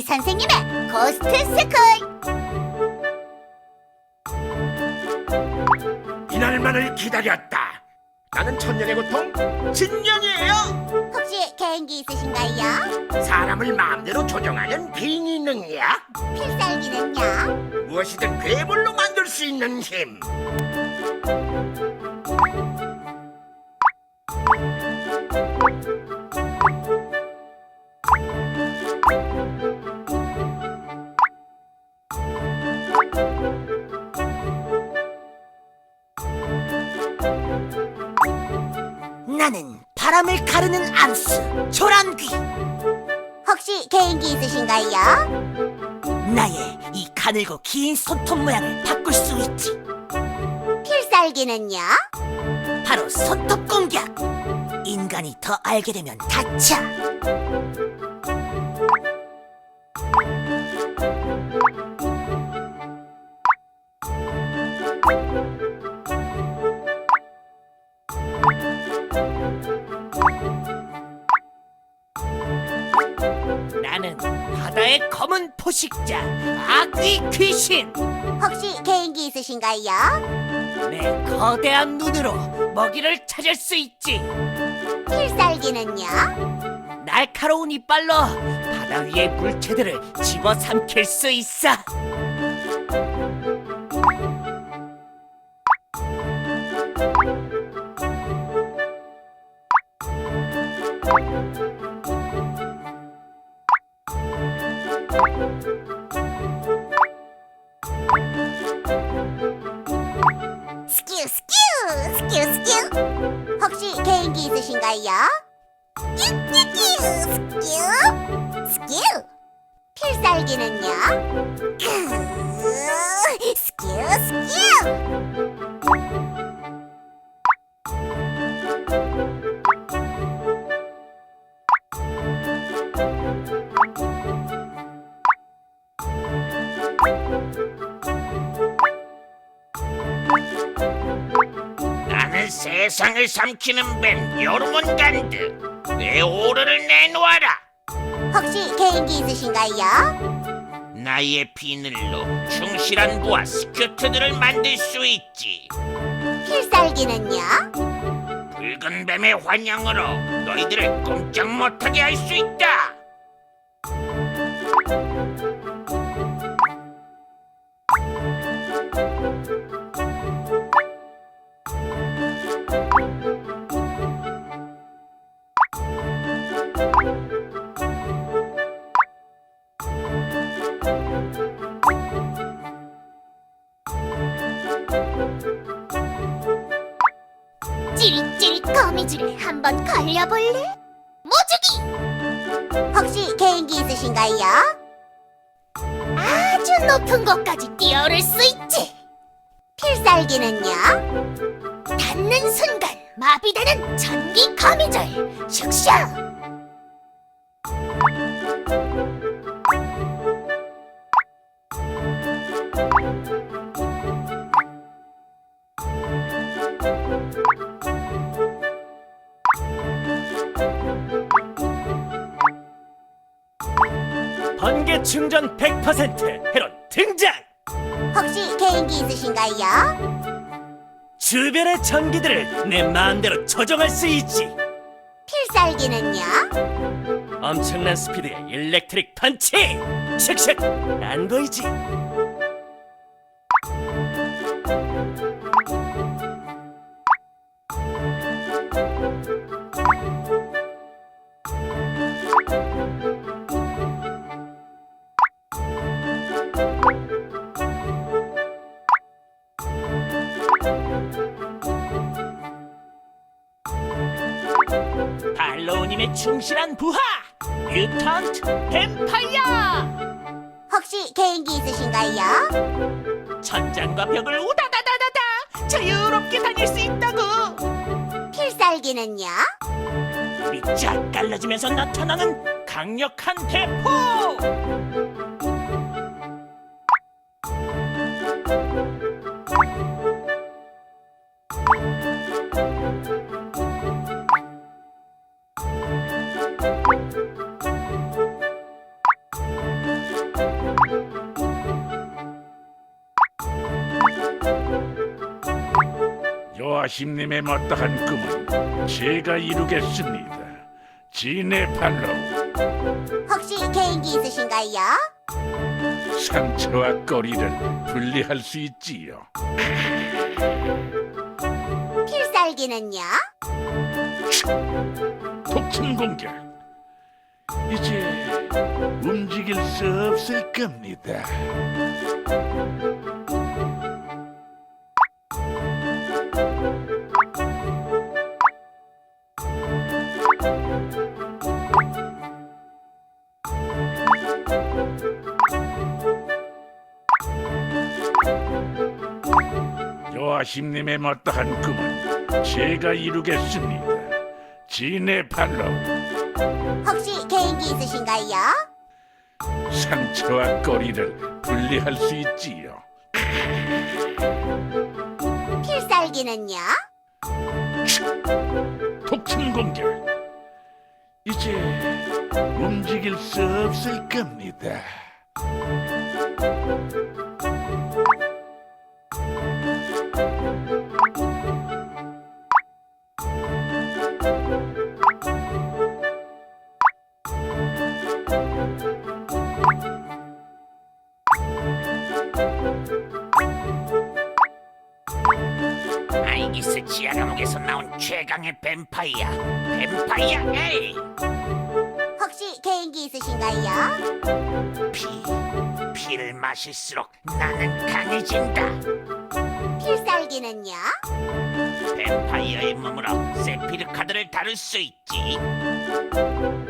이 선생님의 고스트 스쿨. 이날만을 기다렸다. 나는 천년의 고통 진년이에요. 혹시 개인기 있으신가요? 사람을 마음대로 조종하는 빙의 능력, 필살기는요? 무엇이든 괴물로 만들 수 있는 힘. 나는 바람을 가르는 암수 조란귀. 혹시 개인기 있으신가요? 나의 이 가늘고 긴 손톱 모양을 바꿀 수 있지. 필살기는요? 바로 손톱 공격. 인간이 더 알게 되면 다쳐. 나는 바다의 검은 포식자 아귀 귀신. 혹시 개인기 있으신가요? 내 거대한 눈으로 먹이를 찾을 수 있지. 필살기는요? 날카로운 이빨로 바다 위의 물체들을 집어삼킬 수 있어. 스큐 스큐 스큐 스큐. 혹시 개인기 있으신가요? 스큐 스큐 스큐. 필살기는요? 스큐 스큐. 나는 세상을 삼키는 뱀 요르몬간드. 내 오르를 내놓아라. 혹시 개인기 있으신가요? 나의 비늘로 충실한 부하 스큐트들을 만들 수 있지. 필살기는요? 붉은 뱀의 환영으로 너희들을 꼼짝 못하게 할 수 있다. 찌릿찌릿 거미줄에 한번 걸려볼래? 모주기! 혹시 개인기 있으신가요? 아주 높은 곳까지 뛰어오를 수 있지. 필살기는요? 닿는 순간 마비되는 전기 거미줄 슉슉. 번개 충전 100% 헤론 등장. 혹시 개인기 있으신가요? 주변의 전기들을 내 마음대로 조정할 수 있지. 필살기는요? 엄청난 스피드의 일렉트릭 펀치. 슉슉. 안 보이지? 발로우님의 충실한 부하 뮤턴트 뱀파이어. 혹시 개인기 있으신가요? 천장과 벽을 우다다다다다 자유롭게 다닐 수 있다고. 필살기는요? 불이 쫙 갈라지면서 나타나는 강력한 대포. 요아심님의 마땅한 꿈은 제가 이루겠습니다. 진의 팔로우. 혹시 개인기 있으신가요? 상처와 꼬리를 분리할 수 있지요. 필살기는요? 독침 공격. 이제 움직일 수 없을 겁니다. 요아심님의 마땅한 꿈은 제가 이루겠습니다. 진의 팔로우. 혹시 개인기 있으신가요? 상처와 꼬리를 분리할 수 있지요. 필살기는요? 독침 공격. 이제 움직일 수 없을 겁니다. 아이기스 지하 감옥에서 나온 최강의 뱀파이어 에이. 혹시 개인기 있으신가요? 피를 마실수록 나는 강해진다. 필살기는요? 뱀파이어의 몸으로 세피르 카드를 다룰 수 있지.